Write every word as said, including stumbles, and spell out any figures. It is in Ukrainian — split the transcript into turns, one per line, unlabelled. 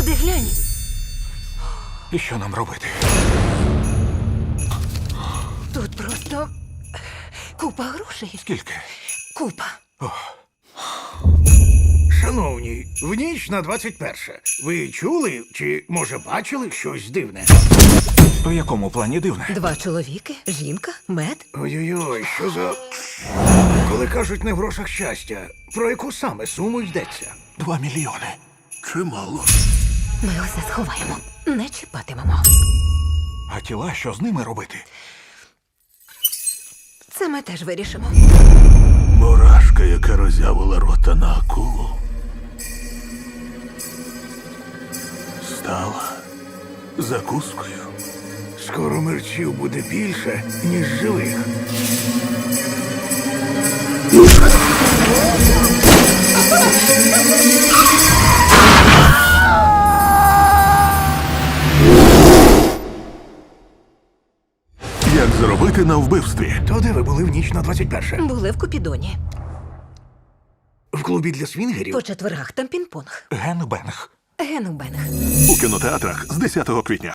Ти глянь.
І що нам робити?
Тут просто купа грошей.
Скільки?
Купа.
Шановні, в ніч на двадцять перше. Ви чули чи, може, бачили щось дивне?
У якому плані дивне?
Два чоловіки, жінка, мед.
Ой-ой-ой, що за. Коли кажуть не в грошах щастя, про яку саме суму йдеться?
Два мільйони.
Чимало.
Ми усе сховаємо. Не чіпатимемо.
А тіла, що з ними робити?
Це ми теж вирішимо.
Мурашка, яка роззявила рота на акулу, стала закускою.
Скоро мерчів буде більше, ніж живих.
Як заробити на вбивстві?
То де ви були в ніч на двадцять перше?
Були в Купідоні.
В клубі для свінгерів?
По четвергах там пінг-понг.
Генбенг.
Генубенг.
У кінотеатрах з десятого квітня.